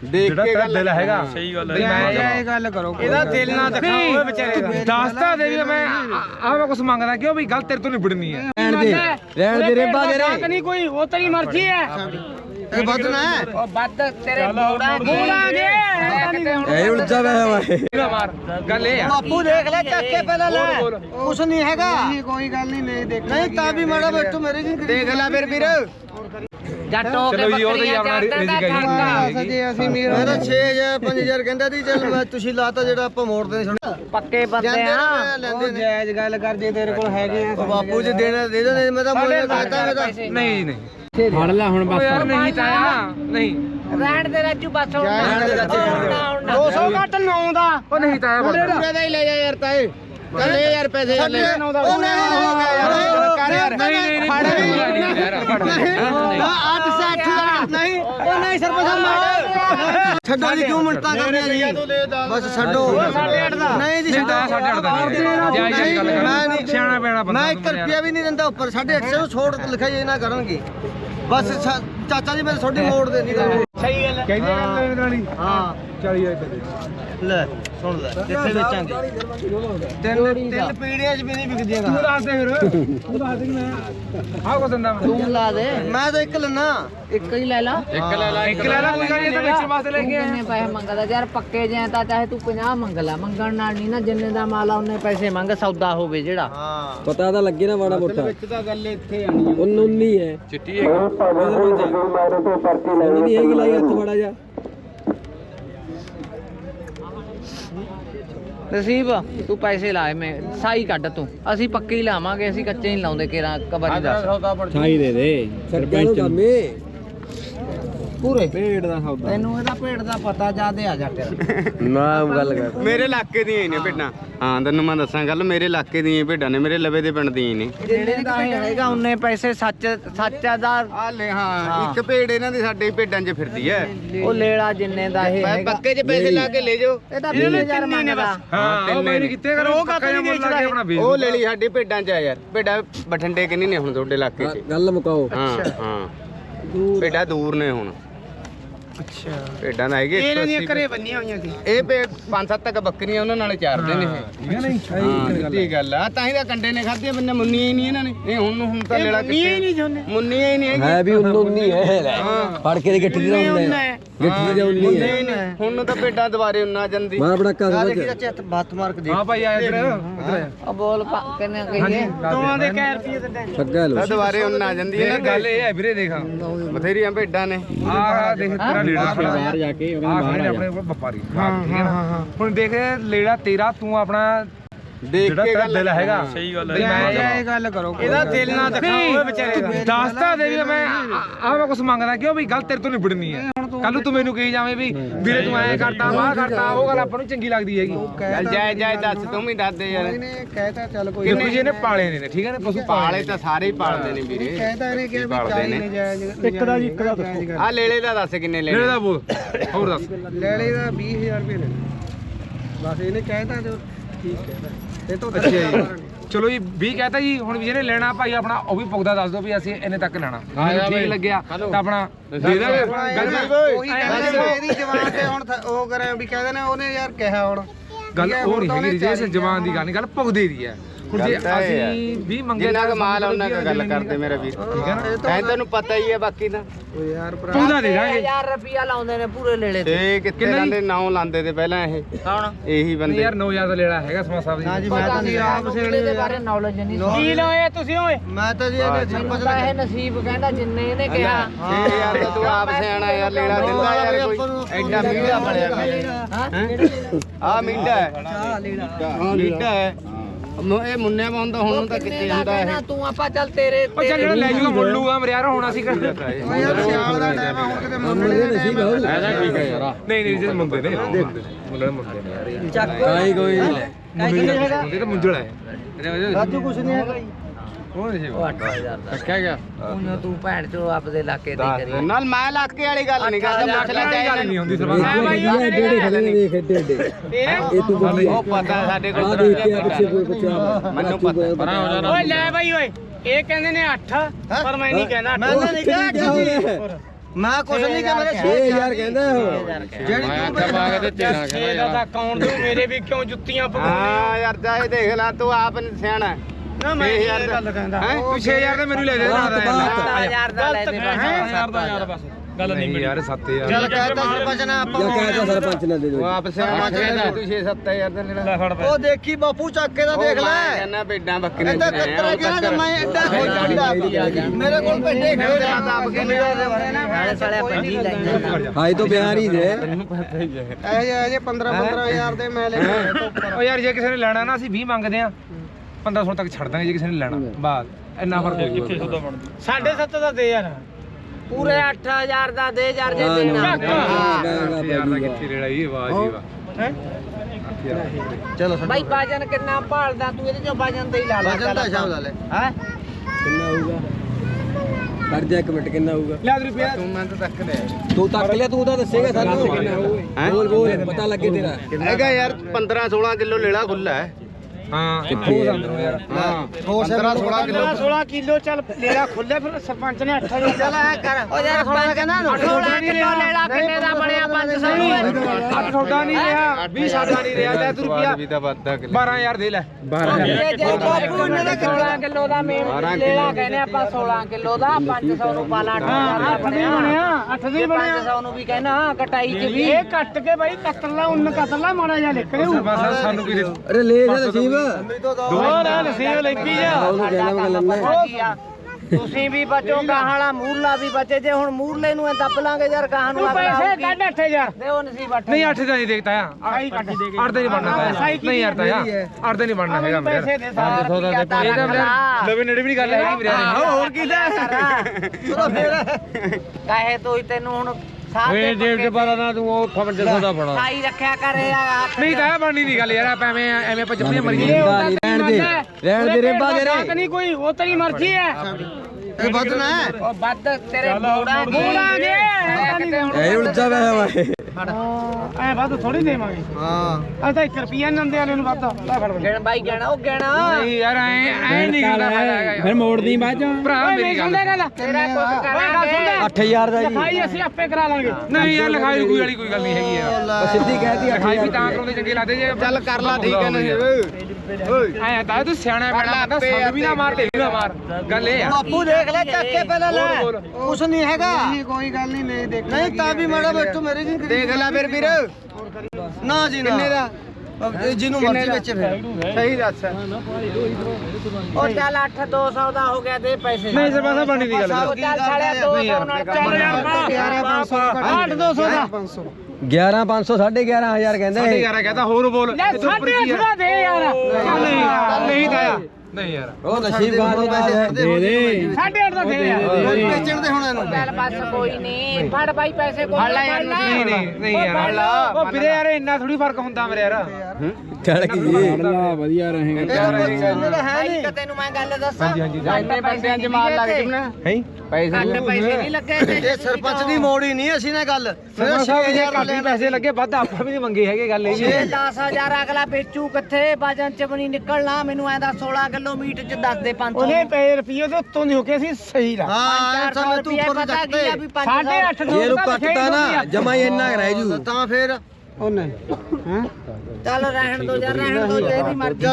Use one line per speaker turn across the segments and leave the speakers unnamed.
ਜਿਹੜਾ ਤੇਰਾ ਦਿਲ ਹੈਗਾ
ਸਹੀ ਗੱਲ
ਹੈ
ਇਹ ਗੱਲ ਕਰੋ
ਇਹਦਾ ਦਿਲ ਨਾ ਦਿਖਾਓ ਓਏ ਵਿਚਾਰੇ ਦਾ
ਦੱਸਦਾ ਦੇ ਵੀ ਮੈਂ ਮੈਂ ਕੁਝ ਮੰਗਦਾ ਕਿਉਂ ਵੀ ਗੱਲ ਤੇਰੇ ਤੋਂ ਨਿਬੜਨੀ ਹੈ
ਰਹਿਣ ਦੇ ਰੇਬਾ ਦੇ ਰੇ
ਨਹੀਂ ਕੋਈ ਉਹ ਤੇਰੀ ਮਰਜ਼ੀ ਹੈ
ਇਹ ਵੱਧ ਨਾ
ਉਹ ਬੱਦ ਤੇਰੇ ਬੋਲਾਂਗੇ
ਇਹ ਉਲਝਾ ਪਿਆ ਓਏ
ਮਾਰ ਗੱਲ ਇਹ ਆ
ਬਾਪੂ ਦੇਖ ਲੈ ਚੱਕ ਕੇ ਪਹਿਲਾਂ ਲੈ
ਬੋਲ।
ਕੁਛ ਨਹੀਂ ਹੈਗਾ ਕੋਈ ਗੱਲ ਨਹੀਂ ਲੈ ਦੇਖ ਨਹੀਂ ਤਾਂ ਵੀ ਮਾੜਾ ਬੈਠੋ ਮੇਰੇ ਜੀ ਦੇਖ ਲੈ ਫਿਰ ਵੀਰ
ਜੱਟ ਹੋ ਕੇ
ਚਲੋ ਜੀ, ਉਹ ਤਾਂ ਜੀ
ਬੱਕਰੀਆਂ
ਆਪਣਾ
ਚਾਰਦਾ
ਰਿਜ਼ਕ ਹੈ ਜੀ।
ਖਾਂਦਾ।
ਜੇ ਅਸੀਂ ਮੀਰ ਮੇਰਾ 6000 5000 ਕਹਿੰਦਾ ਸੀ ਚੱਲ ਮੈਂ ਤੁਸੀਂ ਲਾਤਾ ਜਿਹੜਾ ਆਪਾਂ ਮੋੜਦੇ ਨਹੀਂ
ਪੱਕੇ ਬੰਦੇ ਆ
ਉਹ ਜਾਇਜ਼ ਗੱਲ ਕਰ ਜੇ ਤੇਰੇ ਕੋਲ ਹੈਗੇ ਆ ਬਾਪੂ ਜੀ ਦੇਣਾ ਦੇ ਦੋ ਮੈਂ ਤਾਂ ਮੁੱਲ ਕਰਦਾ ਮੈਂ ਤਾਂ
ਨਹੀਂ ਨਹੀਂ
ਫੜ ਲੈ ਹੁਣ
ਓ ਯਾਰ ਨਹੀਂ ਤਾਇਆ ਨਹੀਂ
ਰਹਿਣ ਦੇ ਰਾਜੂ ਬਸ ਹੁਣ
ਰਹਿਣ ਦੇ ਰਾਜੂ।
200 ਘੱਟ 9 ਦਾ
ਉਹ ਨਹੀਂ ਤਾਇਆ
ਪੂਰੇ ਦਾ ਹੀ ਲੈ ਜਾ ਯਾਰ ਤਾਏ ਚੱਲ ਯਾਰ ਪੈਸੇ ਲੈ ਉਹ ਨਹੀਂ
ਫੜ
ਅੱਠ ਸੱਠ ਨਹੀਂ ਉਹ ਨਹੀਂ ਸਰਪੰਚ ਮਾਰ ਛੱਡੋ ਜੀ ਕਿਉਂ ਮਿੰਟਾਂ ਕਰਨੀਆਂ ਜੀ ਬਸ ਛੱਡੋ ਨਹੀਂ ਜੀ
ਨਹੀਂ ਤਾਇਆ 8.5 ਦਾ ਜਾਇਜ਼ ਗੱਲ ਕਰ ਸਿਆਣਾ ਪੈਣਾ ਬੰਦਾ
ਮੈਂ 1 ਰੁਪਿਆ ਵੀ ਨਹੀਂ ਦਿੰਦਾ ਉੱਪਰ 850 ਨੂੰ ਛੋੜ ਲਿਖਾਈ ਨਾ ਕਰਨਗੇ ਬਸ ਚਾਚਾ ਜੀ ਮੈਂ ਤੁਹਾਡੀ ਮੋੜ ਦੇ ਨਹੀਂ ਦੇਣੀ
ਸਹੀ ਗੱਲ
ਕਹਿੰਦੇ ਗੱਲ ਵਾਲੀ
ਹਾਂ
40000 ਰੁਪਏ
ਲੈ ਸੁਣ ਲੈ ਕਿੱਥੇ ਵੇਚਾਂਗੇ ਤਿੰਨ ਪੀੜੀਆਂ 'ਚ ਵੀ ਨਹੀਂ ਵਿਕਦੀਆਂ
ਤੂੰ ਦੱਸ ਦੇ ਫਿਰ ਤੂੰ ਦੱਸ ਦੇ ਕਿ ਮੈਂ ਆਹ ਕੋ ਦਿੰਦਾ ਮੈਂ
ਤੂੰ ਲਾ ਦੇ
ਮੈਂ ਤਾਂ ਇੱਕ ਲੈਣਾ
ਇੱਕ ਹੀ ਲੈ ਲਾ
ਇੱਕ ਲੈ ਲੈ ਕੋਈ ਗੱਲ ਨਹੀਂ ਤਾਂ ਵੇਚਣ ਵਾਸਤੇ ਲੈ ਕੇ ਆਇਆ
ਕਿੰਨੇ ਪੈਸੇ ਮੰਗਦਾ ਯਾਰ ਪੱਕੇ ਜੇ ਤਾਂ ਚਾਹੇ ਤੂੰ 50 ਮੰਗ ਲੈ ਮੰਗਣ ਨਾਲ ਨਹੀਂ ਨਾ ਜਿੰਨੇ ਦਾ ਮਾਲ ਆ ਉਹਨੇ ਪੈਸੇ ਮੰਗ ਸੌਦਾ ਹੋਵੇ ਜਿਹੜਾ
ਹਾਂ
ਪਤਾ ਤਾਂ ਲੱਗੇ ਨਾ ਮਾੜਾ ਮੋਟਾ
ਵਿੱਚ ਤਾਂ ਗੱਲ ਇੱਥੇ ਆਣੀ ਆ
ਉਹ ਨੁੰਨੀ ਹੈ
ਚਿੱਟੀ ਹੈਗੀ
ਨੁੰਨੀ ਨਹੀਂ ਹੈਗੀ ਲਾਈ ਹੱਥ ਮਾੜਾ ਜਾ
ਨਸੀਬ ਤੂੰ ਪੈਸੇ ਲਾਏ ਮੈਂ ਸਾਈ ਕੱਢ ਤੂੰ ਅਸੀਂ ਪੱਕੇ ਹੀ ਲਾਵਾਂਗੇ ਅਸੀਂ ਕੱਚੇ ਨਹੀਂ ਲਾਉਂਦੇ ਕੇਰਾ ਕਬਰੀ ਦੱਸ
ਛਾਈ ਦੇ ਦੇ ਸਰਪੰਚ ਕੰਮੇ
ਪੂਰੇ
ਪੇੜ ਦਾ ਸੌਦਾ
ਤੈਨੂੰ ਇਹਦਾ ਭੇਡ ਦਾ ਪਤਾ ਜਾਦੇ ਆ ਜਾ ਕੇ
ਨਾ ਗੱਲ ਕਰ
ਮੇਰੇ ਇਲਾਕੇ ਦੀਆਂ ਹੀ ਨੇ ਭੇਡਾਂ ਹਾਂ ਤੈਨੂੰ ਮੈਂ ਦੱਸਾਂ ਗੱਲ ਮੇਰੇ ਇਲਾਕੇ ਦੀਆਂ ਹੀ ਭੇਡਾਂ ਨੇ ਮੇਰੇ ਲਵੇ ਦੇ ਪਿੰਡ ਦੀਆਂ ਹੀ ਨੇ
ਜਿਹੜੇ ਦਾ ਹੈਗਾ ਉਹਨੇ ਪੈਸੇ ਸੱਚ ਦਾ
ਆ ਲੈ ਹਾਂ ਇੱਕ ਭੇਡ ਇਹਨਾਂ ਦੀ ਸਾਡੇ ਭੇਡਾਂ 'ਚ ਫਿਰਦੀ ਐ
ਉਹ ਲੇਲਾ ਜਿੰਨੇ ਦਾ ਇਹ
ਮੈਂ
ਹੈਗਾ
ਪੱਕੇ 'ਚ ਪੈਸੇ ਲਾ ਕੇ ਲੈ ਜਾਓ
ਇਹਦਾ 20000 ਮੰਗਦਾ
ਹਾਂ ਉਹ ਮੈਨੂੰ ਕਿੱਥੇ ਕਰ ਉਹ ਕਾਹਤੋਂ ਨਹੀਂ ਵੇਚਦਾ ਆਪਣਾ ਵੇਚ
ਉਹ ਲੈ ਲਈ ਸਾਡੀ ਭੇਡਾਂ 'ਚ ਆ ਯਾਰ ਭੇਡਾਂ ਬਠਿੰਡੇ ਕਿੰਨੀ ਨੇ ਹੁਣ ਤੁਹਾਡੇ ਇਲਾਕੇ 'ਚ
ਗੱਲ ਮੁਕਾਓ
ਹਾਂ ਹਾਂ ਭੇਡਾਂ ਦੂਰ ਨੇ ਹੁਣ
ਅੱਛਾ
ਭੇਡਾਂ ਦਾ ਹੈਗੇ
ਇਹਨਾਂ ਦੀਆਂ ਘਰੇ ਬੰਨੀਆਂ ਹੋਈਆਂ ਸੀ
ਇਹ ਭੇਡ 5-7 ਤੱਕ ਬੱਕਰੀਆਂ ਉਹਨਾਂ ਨਾਲੇ ਚਾਰਦੇ ਨੇ ਇਹ
ਠੀਕ ਹੈ ਨਹੀਂ
ਹਾਂ ਸਿੱਧੀ ਗੱਲ ਆ ਤਾਂ ਹੀ ਤਾਂ ਕੰਡੇ ਨੇ ਖਾਧੀਆਂ ਬੰਨੇ ਮੁੰਨੀਆਂ ਹੀ ਨਹੀਂ ਇਹਨਾਂ ਨੇ ਇਹ ਹੁਣ ਤਾਂ ਲੈਲਾ ਕਿੱਥੇ ਮੁੰਨੀਆਂ ਹੀ ਨਹੀਂ ਹੈਗੀ
ਹੈ ਵੀ ਉੰਨੀ ਹੈ ਫੜ ਕੇ ਗੱਠੀ ਦੀ ਹੁੰਦਾ ਹੈ ਗੱਠੀ ਦੀ ਉੰਨੀ ਹੈ
ਹੁਣ ਨੂੰ ਤਾਂ ਭੇਡਾਂ ਦੁਬਾਰੇ ਉਨਾ ਜਾਂਦੀ
ਮਾਰਾ ਬੜਾ
ਆ
ਕਾਸ
ਦੇਖੀ ਚਾਚੇ ਹੱਥ ਬੱਤ ਮਾਰ ਕੇ ਦੇਖ
ਹਾਂ ਭਾਈ ਆ ਇੱਧਰ ਆ
ਆ ਬੋਲ ਕਿੰਨੇ ਕਹੀਏ
ਦੋਵਾਂ ਦੇ ਕੈ ਰੁਪਏ ਦਿੰਦੇ
ਸੱਗਾ ਲੋ
ਤਾਂ ਦੁਬਾਰੇ ਉਨਾ ਆ ਜਾਂਦੀ ਹੈ
ਗੱਲ ਇਹ ਹੈ ਵੀਰੇ ਦੇਖ
ਬਥੇਰੀਆਂ ਭੇਡਾਂ ਨੇ
ਆਹ ਦੇਖ ਤੇਰਾ ਲੀਡਰ
ਬਾਹਰ ਜਾ ਕੇ
ਆ ਖੜੇ ਨੇ ਆਪਣੇ ਕੋਲ ਵਪਾਰੀ ਠੀਕ ਹੈ ਨਾ ਹੁਣ ਦੇਖ ਲੇੜਾ ਤੇਰਾ ਤੂੰ ਆਪਣਾ
ਦੇਖ
ਜਿਹੜਾ
ਕੇ
ਤੇਰਾ
ਗੱਲ
ਦਿਲ ਹੈਗਾ
ਸਹੀ ਗੱਲ
ਇਹ ਗੱਲ ਕਰੋ
ਇਹਦਾ ਦਿਲ ਨਾ ਦਿਖਾਓ ਓਏ ਵਿਚਾਰੇ ਦਾ
ਦੱਸਦਾ ਦੇ ਵੀ ਮੈਂ ਮੈਂ ਕੁਝ ਮੰਗਦਾ ਕਿਉਂ ਵੀ ਗੱਲ ਤੇਰੇ ਤੋਂ ਨਿਬੜਨੀ ਹੈ ਕੱਲ ਨੂੰ ਤੂੰ ਮੈਨੂੰ ਕਹੀ ਜਾਵੇਂ ਵੀ ਵੀਰੇ ਤੂੰ ਐਂ ਕਰਤਾ ਬਾਹ ਕਰਤਾ ਉਹ ਗੱਲ ਆਪਾਂ ਨੂੰ ਚੰਗੀ ਲੱਗਦੀ ਹੈਗੀ
ਚੱਲ ਜਾਏ ਜਾਏ ਦੱਸ ਤੂੰ ਵੀ ਦੱਸ ਦੇ ਯਾਰ
ਇਹਨੇ ਕਹਿਤਾ ਚੱਲ ਕੋਈ
ਕਿੰਨੇ ਜਿਹੇ ਨੇ ਪਾਲੇ ਨੇ ਠੀਕ ਹੈ ਨਾ ਪਸ਼ੂ
ਪਾਲੇ ਤਾਂ ਸਾਰੇ ਹੀ ਪਾਲਦੇ ਨੇ ਵੀਰੇ
ਕਹਿਤਾ ਇਹਨੇ ਕਿ ਵੀ 40 ਨੇ ਜਾਇਜ਼ ਇੱਕ ਦਾ ਦੱਸੋ
ਆ ਲੇਲੇ ਦਾ ਦੱਸ ਕਿੰਨੇ
ਲੇੜੇ
ਲੈਣੇ
ਦਾ ਬੋਲ ਹੋਰ ਦੱਸ
ਲੈ ਲਈ ਦਾ 20000 ਰੁਪਏ ਲੈ ਬਸ ਇਹਨੇ ਕਹਿਤਾ ਜੋ ਠੀਕ ਕਹਿਤਾ ਇਹ ਤੋਂ
ਅੱਛਾ ਜੀ ਚਲੋ ਜੀ 20 ਕਹਤਾ ਜੀ ਹੁਣ ਵੀ ਜਿਹਨੇ ਲੈਣਾ ਭਾਈ ਆਪਣਾ ਉਹ ਵੀ ਪੁੱਗਦਾ ਦੱਸ ਦਿਓ ਵੀ ਅਸੀਂ ਇੰਨੇ ਤੱਕ ਲੈਣਾ ਮੈਨੂੰ ਠੀਕ ਲੱਗਿਆ ਤਾਂ ਆਪਣਾ ਦੇ ਦਾਂਗੇ
ਉਹੀ ਕਹਿੰਦੇ ਇਹਦੀ ਜਵਾਨ ਤੇ ਹੁਣ ਉਹ ਕਰੇ ਵੀ ਕਹਿੰਦੇ ਨੇ ਉਹਨੇ ਯਾਰ ਕਿਹਾ ਹੁਣ
ਗੱਲ ਉਹ ਨਹੀਂ ਹੈਗੀ ਜੇ ਜਵਾਨ ਦੀ ਗੱਲ ਨਹੀਂ ਗੱਲ ਪੁੱਗਦੇ ਦੀ ਹੈ ਹੁਣ ਜੇ ਅਸੀਂ 20 ਮੰਗੇ
ਜਿੰਨਾ ਕੁ ਮਾਲ ਉਹਨਾਂ ਕੁ ਗੱਲ ਕਰਦੇ ਮੇਰਾ ਵੀਰ
ਠੀਕ ਹੈ ਨਾ
ਐ ਤੈਨੂੰ ਪਤਾ ਹੀ ਹੈ ਬਾਕੀ ਤਾਂ
ਓ ਯਾਰ ਭਰਾ
ਪੁੱਗਦਾ ਦੇ ਦਾਂਗੇ
1000 ਰੁਪਿਆ ਲਾਉਂਦੇ ਨੇ ਪੂਰੇ ਲੇਲੇ ਤੇ
ਤੇ ਕਿੱਥੇ ਲਾਂਦੇ ਨਾਉ ਲਾਂਦੇ ਤੇ ਪਹਿਲਾਂ ਇਹ
ਕੌਣ
ਇਹੀ ਬੰਦੇ
ਯਾਰ 9000 ਦਾ ਲੈਣਾ ਹੈਗਾ ਸਮਾ ਸਾਹਿਬ
ਹਾਂ
ਜੀ
ਜੀ ਮੈਂ ਤਾਂ ਨਹੀਂ ਆਪ
ਲੇਲੇ ਦੇ ਬਾਰੇ ਨੌਲੇਜ ਨਹੀਂ
ਕੀ
ਲਓਏ ਤੁਸੀਂ ਓਏ
ਮੈਂ ਤਾਂ ਜੀ ਇਹਨੇ
ਮੈਨੂੰ ਤਾਂ ਇਹ ਨਸੀਬ ਕਹਿੰਦਾ ਜਿੰਨੇ ਇਹਨੇ ਕਿਹਾ
6000 ਦਾ ਤੂੰ ਆਪ ਸਿਆਣਾ ਯਾਰ ਲੇਲਾ ਦਿੰਦਾ ਯਾਰ ਕੋਈ ਐਡਾ ਮੀਂਡਾ ਬਣਿਆ
ਹਾਂ
ਆ ਮੀਂਡਾ ਹੈ ਮੀਂਡਾ ਹੈ ਇਹ ਮੁੰਨਿਆ ਪਾਉਂਦਾ ਹੁਣ ਤਾਂ ਕਿੱਥੇ ਹੁੰਦਾ ਇਹ
ਤੂੰ ਆਪਾਂ ਚੱਲ ਤੇਰੇ
ਉਹ ਚੱਲ ਜਿਹੜਾ ਲੈ ਜੂਗਾ ਮੁੱਲ ਲੂਗਾ ਮੇਰੇ ਯਾਰ ਹੁਣ ਅਸੀਂ ਕਰ
ਓ ਯਾਰ ਸਿਆਲ ਦਾ ਟਾਈਮ ਆ ਹੁਣ ਕਿਤੇ ਮੰਗਣੇ ਦਾ
ਨਸੀਬ ਹੈ
ਐਦਾ ਠੀਕ ਹੈ ਯਾਰ
ਨਹੀਂ ਨਹੀਂ ਜੇ ਮੁੰਡੇ ਨੇ ਮੁੰਡੇ ਨੇ ਯਾਰ
ਚੱਕ
ਕਾਈ ਕੋਈ
ਮੁੰਡੇ ਤਾਂ ਮੁੰਜਲ ਹੈ
ਰਾਜੂ ਕੁਛ ਨਹੀਂ ਹੈਗਾ ਜੀ
ਉਹ ਨਹੀਂ
ਉਹ 8000 ਦਾ
ਰੱਖਿਆ ਗਿਆ
ਉਹਨੂੰ ਤੂੰ ਭੈਣ ਚੋ ਆਪਦੇ ਇਲਾਕੇ ਦੀ ਕਰੀ
ਨਾਲ ਮੈਂ ਇਲਾਕੇ ਵਾਲੀ ਗੱਲ ਨਹੀਂ ਕਰਦਾ ਮਸਲਾ
ਗੱਲ ਨਹੀਂ ਹੁੰਦੀ ਸਰਪੰਚ
ਡੇਡੇ ਖੜੇ ਨੇ ਦੇਖ ਏਡੇ ਇਹ ਤੂੰ ਬੰਦੇ
ਉਹ ਪਤਾ ਸਾਡੇ
ਆ
ਕੋਲ
ਦੇਖ ਕੇ ਪਿੱਛੇ ਕੋਈ ਪੁੱਛਿਆ
ਮੈਨੂੰ ਪਤਾ
ਪਰਾਂ ਹੋ
ਓਏ ਲੈ ਬਾਈ ਓਏ ਇਹ ਕਹਿੰਦੇ ਨੇ 8 ਪਰ ਮੈਂ ਨਹੀਂ ਕਹਿੰਦਾ
ਮੈਂ ਤਾਂ ਨਹੀਂ ਕਿਹਾ ਜੀ ਮੈਂ ਕੁਛ ਨਹੀਂ ਕਿ ਮੇਰੇ
6000 ਕਹਿੰਦਾ ਉਹ
ਜਿਹੜੀ
ਹਾਂ ਯਾਰ ਜਾ ਇਹ ਦੇਖ ਲੈ ਤੂੰ ਆਪ ਸਿਆਣਾ ਨਾ ਮੈਂ ਇਹ ਗੱਲ ਕਹਿੰਦਾ
ਤੂੰ 6000 ਦਾ ਮੈਨੂੰ ਲੈ ਦੇ
7000 ਦਾ ਲੈ ਦੇ ਬਸ
ਗੱਲ ਨਹੀਂ ਯਾਰ 7000
ਚੱਲ ਕਹਿਤਾ ਸਰਪੰਚ ਨੇ ਆਪਾਂ
ਜਾਂ ਕਹਿੰਦਾ ਸਰਪੰਚ ਨੇ ਦੇ
ਉਹ
ਦੋ
ਆਪ ਸਿਆਣਾ ਕਹਿੰਦਾ ਤੂੰ 6-7000 ਦਾ ਲੈਣਾ
ਉਹ ਦੇਖੀ ਬਾਪੂ ਚੱਕ ਕੇ ਤਾਂ ਦੇਖ ਲੈ
ਕਹਿੰਦਾ ਭੇਡਾਂ ਬੱਕਰੀਆਂ
ਇੱਦਾਂ ਕੱਤਰਾ ਗਿਆ ਨਾ ਮੈਂ ਐਡਾ ਖੋਲਦਾ ਮੇਰੇ ਕੋਲ ਭੇਡੇ ਖੜੇ ਆ ਆਪ ਕਿੰਨੇ
ਨਾਲੇ ਸਾਲੇ ਪੰਜੀ ਲੈ
ਹਾਈ ਤੋਂ ਬਿਹਾਰ ਹੀ ਦੇ
ਇਹ 15-15000 ਦੇ ਮੈਂ ਲੈ ਕੇ
ਓ ਯਾਰ ਜੇ ਕਿਸੇ ਨੇ ਲੈਣਾ ਨਾ ਅਸੀਂ 20 ਮੰਗਦੇ ਆ 1500 ਤੱਕ ਛੱਡ ਦਾਂਗੇ ਜੇ ਕਿਸੇ ਨੇ ਲੈਣਾ ਬਾਅਦ ਇੰਨਾ ਫਰਕ ਹੋ ਕਿੱਥੇ ਸੌਦਾ ਬਣਦਾ
7.5 ਦਾ ਦੇ ਯਾਰ
ਪੂਰੇ 8000 ਦਾ ਦੇ ਯਾਰ ਜੇ ਦੇਣਾ
8000 ਦਾ ਕਿੱਥੇ ਰੇੜਾ ਇਹ ਵਾਹ ਜੀ ਵਾਹ
ਚਲੋ
ਬਾਈ ਬਾਜਨ ਕਿੰਨਾ ਭਾਲਦਾ ਤੂੰ ਇਹਦੇ ਚੋਂ ਬਾਜਨ ਤੇ ਹੀ ਲਾ ਲਾ
ਵਜਨ ਦਾ ਹਿਸਾਬ ਲਾ ਲੈ
ਹੈ
ਕਿੰਨਾ ਹੋਊਗਾ ਕਰ ਜਾ ਇੱਕ ਮਿੰਟ ਕਿੰਨਾ ਹੋਊਗਾ
ਲੈ ਰੁਪਿਆ
ਤੂੰ ਮੈਂ ਤਾਂ ਤੱਕ ਲਿਆ
ਤੂੰ ਤੱਕ ਲਿਆ ਤੂੰ ਤਾਂ ਦੱਸੇਗਾ ਸਾਨੂੰ ਬੋਲ ਬੋਲ ਪਤਾ ਲੱਗੇ ਤੇਰਾ
ਹੈਗਾ ਯਾਰ 15-16 ਕਿਲੋ ਲੇਲਾ ਖੁੱਲਾ ਹੈ
ਹਾਂ ਕਿੱਥੇ ਅੰਦਰੋਂ ਯਾਰ
ਹਾਂ 15-16 ਕਿਲੋ
16 ਕਿਲੋ ਚੱਲ ਲੇੜਾ ਖੁੱਲੇ ਫਿਰ ਸਰਪੰਚ ਨੇ 8000 ਚੱਲ ਐ ਕਰ
ਉਹ ਯਾਰ 16 ਕਹਿੰਦਾ 16 ਕਿਲੋ ਲੈਲਾ ਕਿੰਨੇ ਦਾ ਬਣਿਆ 500 ਨੂੰ
8 ਤੁਹਾਡਾ ਨਹੀਂ ਰਿਹਾ 20 ਸਾਡਾ ਨਹੀਂ ਰਿਹਾ ਲੈ ਤੂੰ ਰੁਪਿਆ
ਵੀ ਤਾਂ ਵੱਧਦਾ ਕਿਲੋ
12000 ਦੇ ਲੈ
ਜੇ ਬਾਪੂ ਇਹਨਾਂ ਦਾ 16 ਕਿਲੋ ਦਾ ਮੇਨ ਲੈਲਾ ਕਹਿੰਦੇ ਆਪਾਂ 16 ਕਿਲੋ ਦਾ 500 ਨੂੰ ਪਾਲਾ 8000 ਦਾ ਬਣਿਆ
8 ਦੀ ਬਣਿਆ
500 ਨੂੰ ਵੀ ਕਹਿਣਾ ਕਟਾਈ ਚ ਵੀ
ਇਹ ਕੱਟ ਕੇ ਬਾਈ ਕੱਤਰ ਲਾ ਉੱਨ ਕੱਤਰ ਲਾ ਮਾੜਾ ਜਿਹਾ ਨਿਕਲੇ
ਸਰਪੰਚ ਸਾਨੂੰ ਕੀ ਦੇ
ਅਰੇ ਲੈ ਜਾ ਨਸੀਬ
ਹੋਰ ਨਸੀਬ ਲੈਪੀ ਜਾ
ਉਹਨੂੰ ਕਹਿਣਾ ਮੈਂ ਲੈਣਾ
ਤੁਸੀਂ ਵੀ ਬਚੋ ਗਾਹਾਂ ਵਾਲਾ ਮੂਰਲਾ ਵੀ ਬਚੇ ਜੇ ਹੁਣ ਮੂਰਲੇ ਨੂੰ ਐ ਦੱਬ ਲਾਂਗੇ ਯਾਰ ਗਾਹਾਂ ਨੂੰ
ਪੈਸੇ ਕੱਢ 8000
ਦੇ ਉਹ ਨਸੀਬ 8
ਨਹੀਂ 8 ਦਾ ਨਹੀਂ ਦੇਖਦਾ ਆ 8 ਦਾ ਨਹੀਂ ਬਣਨਾ ਨਹੀਂ ਯਾਰ ਤਾਂ 8 ਦਾ ਨਹੀਂ ਬਣਨਾ ਹੈਗਾ ਮੇਰੇ
ਪੈਸੇ ਦੇ ਸਾਰਾ
ਇਹ ਤਾਂ ਮੇਰੇ ਲਵੇ ਨੇੜੇ ਵੀ ਨਹੀਂ ਗੱਲ ਹੈਗੀ ਮੇਰੇ
ਹੋਰ ਕੀ ਦਾ ਉਹਦਾ ਫੇਰ
ਕਾਹੇ ਤੋਂ ਹੀ ਤੈਨੂੰ ਹੁਣ
ਵੇ ਜੇਬ ਚ ਪਾਲਾ ਨਾ ਤੂੰ ਉਹ ਖਬਰ ਜਸੋ ਦਾ ਬਣਾ
ਸਾਈ ਰੱਖਿਆ ਕਰੇ ਆ
ਨਹੀਂ ਤਾਂ ਬਣਨੀ ਨਹੀਂ ਗੱਲ ਯਾਰ ਆਪਾਂ ਐਵੇਂ ਆਪਾਂ ਜੰਮੀਆਂ ਮਰੀਏ
ਰਹਿਣ ਦੇ ਰੇਬਾ ਦੇ ਰੇ
ਨਹੀਂ ਕੋਈ ਉਹ ਤੇਰੀ ਮਰਜ਼ੀ ਹੈ ਇਹ ਵਧਣਾ ਹੈ
ਉਹ ਵੱਧ ਤੇਰੇ ਮੋੜਾਂਗੇ
ਮੋੜਾਂਗੇ
ਇਹ ਉਲਝਾ ਹੋਇਆ ਵਾ
ਐ ਵੱਧ ਥੋੜੀ ਦੇਵਾਂਗੇ ਹਾਂ ਅਸੀਂ ਤਾਂ 1 ਰੁਪਿਆ ਨੰਦੇ ਵਾਲੇ ਨੂੰ ਵੱਧ ਲੈ ਫੜ
ਗਿਣ ਬਾਈ ਗਿਣਾ ਉਹ ਗਿਣਾ
ਨਹੀਂ ਯਾਰ ਐ ਨਹੀਂ ਗੱਲ
ਫਿਰ ਮੋੜਦੀ ਬਾਅਦ ਚ
ਭਰਾ ਮੇਰੀ ਗੱਲ
ਤੇਰਾ ਕੁਝ ਕਰਾਂਗੇ
8000 ਦਾ ਜੀ
ਭਾਈ ਅਸੀਂ ਆਪੇ ਕਰਾ ਲਾਂਗੇ
ਨਹੀਂ ਯਾਰ ਲਿਖਾਈ ਕੋਈ ਵਾਲੀ ਕੋਈ ਗੱਲ ਨਹੀਂ ਹੈਗੀ ਯਾਰ
ਸਿੱਧੀ ਕਹਿਤੀ
ਲਿਖਾਈ ਵੀ ਤਾਂ ਕਰਾਉਂਦੇ ਚੰਗੇ ਲੱਗਦੇ ਜੇ
ਚੱਲ ਕਰ ਲਾ ਠੀਕ ਹੈ ਨਾ
ਐ ਤਾਂ ਤੂੰ ਸਿਆਣਾ ਪੈਣਾ ਬੰਦਾ ਸੰਗ ਵੀ ਨਾ ਮਾਰ ਢੇਰੀ ਨਾ ਮਾਰ ਗੱਲ ਇਹ ਆ
ਬਾਪੂ ਦੇਖ ਲੈ ਚੱਕ ਕੇ ਪਹਿਲਾਂ ਲੈ
ਬੋਲ।
ਕੁਛ ਨਹੀਂ ਹੈਗਾ ਕੋਈ ਗੱਲ ਨਹੀਂ ਨਹੀਂ ਦੇਖ ਨਹੀਂ ਤਾਂ ਵੀ ਮਾੜਾ ਬੈਠੋ ਮੇਰੇ ਜੀ
ਦੇਖ ਲੈ ਫਿਰ ਵੀਰ
ਨਾ ਜੀ ਨਾ
ਕਿੰਨੇ ਦਾ
ਜਿਹਨੂੰ ਮਰਜ਼ੀ ਵਿੱਚ ਫਿਰ
ਸਹੀ ਦੱਸ
ਉਹ ਚੱਲ 8 200 ਦਾ ਹੋ ਗਿਆ ਦੇ ਪੈਸੇ
ਨਹੀਂ ਸਰਪੰਚ ਬਣਨੀ ਦੀ ਗੱਲ
ਉਹ ਚੱਲ ਸਾਲਿਆ 200 ਨਾਲ ਚੱਲ ਯਾਰ
8 200 ਦਾ
11500 11500 ਕਹਿੰਦੇ
11 ਕਹਤਾ ਹੋਰ ਬੋਲ
ਲੈ 8.5 ਦਾ ਦੇ ਯਾਰ
ਨਹੀਂ ਤਾਂ ਨਹੀਂ ਯਾਰ
ਉਹ ਨਸੀਬ ਗਾਹ ਦੇ ਨਾਲ ਦੇ ਦੇ
8.5 ਦਾ ਦੇ ਯਾਰ ਵੇਚਣ ਦੇ ਹੁਣ ਇਹਨੂੰ
ਚੱਲ ਬਸ ਕੋਈ ਨਹੀਂ ਫੜ ਬਾਈ ਪੈਸੇ ਕੋਈ
ਨਹੀਂ ਨਹੀਂ ਯਾਰ ਉਹ ਵੀਰੇ ਯਾਰ ਇੰਨਾ ਥੋੜੀ ਫਰਕ ਹੁੰਦਾ ਮੇਰੇ ਯਾਰ
ਚੜ ਕੀ ਵਧੀਆ ਰਹੇਗਾ
ਇਹਨਾਂ ਦਾ ਹੈ ਨਹੀਂ
ਤੈਨੂੰ ਮੈਂ ਗੱਲ ਦੱਸਾਂ
ਇੰਨੇ ਬੰਦਿਆਂ 'ਚ ਮਾਰ ਲੱਗ ਜੂ ਨਾ
ਹੈ
ਘੱਟ ਪੈਸੇ ਨਹੀਂ ਲੱਗੇ
ਇਹ ਸਰਪੰਚ ਦੀ ਮੋੜੀ ਨਹੀਂ ਅਸੀਂ ਨੇ ਗੱਲ
ਮੇਰਾ 6000 ਪੈਸੇ ਲੱਗੇ ਵੱਧ ਆਪਾਂ ਵੀ ਨਹੀਂ ਮੰਗੇ ਹੈਗੇ ਗੱਲ ਇਹ
10,000 ਅਗਲਾ ਵੇਚੂ ਕਿੱਥੇ ਬਾਜਨ ਚ ਵੀ ਨਹੀਂ ਨਿਕਲਣਾ ਮੈਨੂੰ ਐਂ ਦਾ 16 ਕਿਲੋ ਮੀਟ ਚ ਦੱਸ ਦੇ 500
ਉਹਨੇ ਪਏ ਰੁਪਏ ਦੇ ਉੱਤੋਂ ਨਹੀਂ ਹੋ ਕੇ ਅਸੀਂ ਸਹੀ ਲਾ
ਹਾਂ
ਸਾਨੂੰ ਤੂੰ ਉੱਪਰ
ਪਤਾ ਕੀ ਆ ਵੀ
8.5
ਇਹ ਨੂੰ ਕੱਟਦਾ ਨਾ ਜਮਾ ਹੀ ਇੰਨਾ ਰਹਿ ਜੂ
ਤਾਂ ਫੇਰ ਉਹ ਨਹੀਂ ਹਾਂ
ਚੱਲ ਰਹਿਣ ਦੋ ਯਾਰ ਰਹਿਣ ਦੋ ਜੇ ਦੀ ਮਰਜ਼ੀ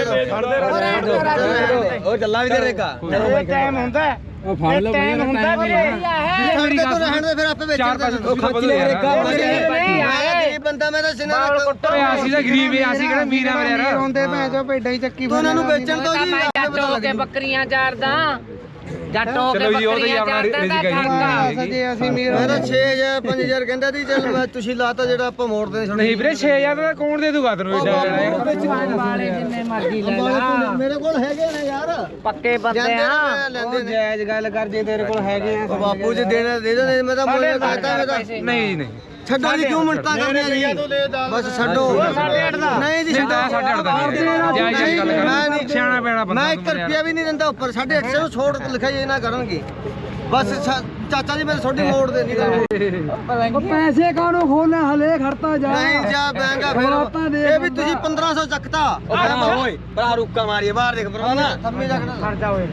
ਉਹ ਚੱਲਾ ਵੀ ਦੇ ਰੇਗਾ
ਇਹ ਟਾਈਮ ਹੁੰਦਾ ਉਹ ਫੜ ਲਓ ਟਾਈਮ ਹੁੰਦਾ ਵੀਰੇ
ਮੇਰੀ ਗੱਲ
ਰਹਿਣ ਦੇ ਫਿਰ ਆਪੇ ਵੇਚ
ਚਾਰ ਪੈਸੇ
ਉਹ ਖੱਚ ਲੈ ਰੇਗਾ
ਗਰੀਬ ਬੰਦਾ ਮੈਂ ਤਾਂ ਸਿਨਾ
ਓਏ ਅਸੀਂ ਤਾਂ ਗਰੀਬ ਏ ਅਸੀਂ ਕਿਹੜਾ ਮੀਰ ਆ ਮੇਰੇ ਯਾਰ
ਰੋਂਦੇ ਭੈਣ ਚੋ ਭੇਡਾਂ ਹੀ ਚੱਕੀ ਉਹਨਾਂ ਨੂੰ ਵੇਚਣ ਤੋਂ ਜੀ
ਜੱਟ ਹੋ ਕੇ ਬੱਕਰੀਆਂ ਚਾਰਦਾ ਜੱਟ ਹੋ ਕੇ
ਚਲੋ ਜੀ, ਉਹ ਤਾਂ ਜੀ
ਬੱਕਰੀਆਂ
ਆਪਣਾ
ਚਾਰਦਾ
ਰਿਜ਼ਕ ਹੈ ਜੀ।
ਖਰਚਾ
ਸਜੇ ਅਸੀਂ ਮੀਰ ਮੈਂ ਤਾਂ 6000 5000 ਕਹਿੰਦਾ ਸੀ ਚੱਲ ਮੈਂ ਤੁਸੀਂ ਲਾਤਾ ਜਿਹੜਾ ਆਪਾਂ ਮੋੜਦੇ ਨਹੀਂ
ਨਹੀਂ ਵੀਰੇ 6000 ਦਾ ਕੌਣ ਦੇ ਦੂਗਾ ਤੈਨੂੰ
ਵਾਲੇ ਜਿੰਨੇ ਮਰਜ਼ੀ ਲੈ ਲਾ
ਮੇਰੇ ਕੋਲ ਹੈਗੇ ਨੇ ਯਾਰ
ਪੱਕੇ ਬੰਦੇ ਆ
ਲੈਂਦੇ ਜਾਇਜ਼ ਗੱਲ ਕਰ ਜੇ ਤੇਰੇ ਕੋਲ ਹੈਗੇ ਆ ਬਾਪੂ ਜੀ ਦੇਣਾ ਦੇ ਦੋ ਮੈਂ ਤਾਂ ਮੁੱਲ ਕਹਤਾ ਮੈਂ ਤਾਂ
ਨਹੀਂ ਨਹੀਂ
ਛੱਡੋ ਜੀ ਕਿਉਂ ਮਿੰਟਾਂ ਕਰਦੇ ਆ ਜੀ ਬਸ ਛੱਡੋ 8.5 ਦਾ ਨਹੀਂ ਜੀ
ਨਹੀਂ ਤਾਂ 8.5 ਦਾ ਨਹੀਂ ਜਾਇਜ਼ ਗੱਲ ਕਰ ਸਿਆਣਾ ਪੈਣਾ ਬੰਦਾ
ਮੈਂ 1 ਰੁਪਿਆ ਵੀ ਨਹੀਂ ਦਿੰਦਾ ਉੱਪਰ 850 ਨੂੰ ਛੋੜ ਲਿਖਾਈ ਨਾ ਕਰਨਗੇ ਬਸ ਚਾਚਾ ਜੀ ਮੇਰੇ ਛੋਟੀ ਮੋੜ ਦੇ ਨਹੀਂ
ਉਹ ਪੈਸੇ ਕਾਹਨੂੰ ਖੋਲਣਾ ਹਲੇ ਖੜਤਾ ਜਾ
ਨਹੀਂ ਜਾ ਬੈਂਗਾ ਫਿਰ ਇਹ ਵੀ ਤੁਸੀਂ 1500 ਚੱਕਤਾ
ਓਏ ਭਰਾ ਰੁੱਕਾ ਮਾਰੀਏ ਬਾਹਰ ਦੇਖ ਪਰਵਾਨਾ
ਥੰਮੀ ਜਾ
ਖਰਚਾ ਹੋਏ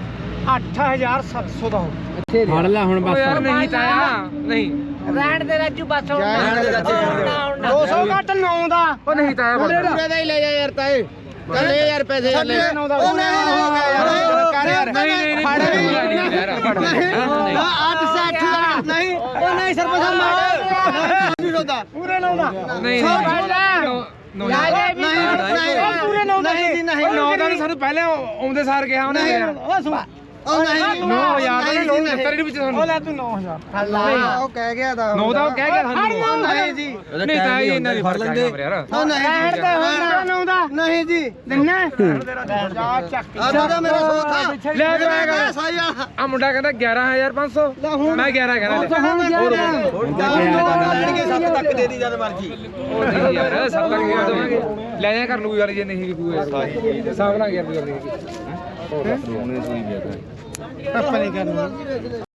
8700 ਦਾ ਹੋ
ਫੜ ਲੈ ਹੁਣ
ਓ ਯਾਰ ਨਹੀਂ ਤਾਇਆ ਨਹੀਂ
ਰਹਿਣ ਦੇ ਰਾਜੂ ਬਸ ਹੁਣ ਨਾ
200 ਘੱਟ 9 ਦਾ
ਉਹ ਨਹੀਂ ਤਾਇਆ
ਪੂਰੇ ਦਾ ਹੀ ਲੈ ਜਾ ਯਾਰ ਤਾਏ ਚੱਲ ਲੈ ਯਾਰ ਪੈਸੇ ਲੈ
ਉਹ ਨਹੀਂ ਹੋ ਗਿਆ ਯਾਰ
ਕਰ ਯਾਰ
ਨਹੀਂ ਫੜ ਯਾਰ ਫੜ
ਅੱਠ ਸੇ ਅੱਠ ਦਾ ਨਹੀਂ ਉਹ ਨਹੀਂ ਸਰਪੰਚ ਸਾਹਿਬ ਮਾੜਾ ਪੂਰੇ 9 ਦਾ
ਨਹੀਂ ਨੋ
ਨਹੀਂ ਪੂਰੇ 9 ਦਾ ਨਹੀਂ ਨਹੀਂ
ਨੌ ਦਾ ਸਾਨੂੰ ਪਹਿਲੇ ਆਉਂਦੇ ਸਾਰ ਕਿਹਾ ਉਹਨੇ ਯਾਰ
ਉਹ ਨਹੀਂ
9000 ਦਾ ਲੋਨ ਦਿੱਤਾ ਨਹੀਂ ਵਿੱਚ ਸਾਨੂੰ
ਲੈ ਤੂੰ 9000 ਉਹ ਕਹਿ ਗਿਆ ਦਾ
ਨੌ ਦਾ ਉਹ ਕਹਿ ਗਿਆ ਸਾਨੂੰ
ਨਹੀਂ ਜੀ
ਨਹੀਂ ਤਾਂ ਇਹ ਇਹਨਾਂ ਦੀ ਫੜ ਲੈਂਦੇ ਯਾਰ
ਉਹ ਨਹੀਂ ਰਹਿਣ ਦੇ ਹੁਣ 9 ਦਾ ਨਹੀਂ ਜੀ ਦਿੰਨਾ ਜਾ ਚੱਕ ਆ ਮੇਰਾ ਸੋਥਾ
ਲੈ ਕੇ ਆਏਗਾ
ਸਾਈ
ਆ ਮੁੰਡਾ ਕਹਿੰਦਾ 11500 ਮੈਂ 11 ਕਹਿੰਦਾ
ਲੈਣਗੇ 7 ਤੱਕ ਦੇ ਦੀ ਜਦ ਮਰਜੀ
ਉਹ ਨਹੀਂ ਯਾਰ ਸਭ ਤੱਕ ਕਿਹਾ ਦੇਵਾਂਗੇ ਲੈ ਜਾ ਕਰ ਲੂ ਗੱਲ ਜੇ ਨਹੀਂ ਕੋਈ ਹਿਸਾਬ ਨਾਲ 11 ਦੀ
ਆਪਾਂ ਨਹੀਂ ਕਰਨੀ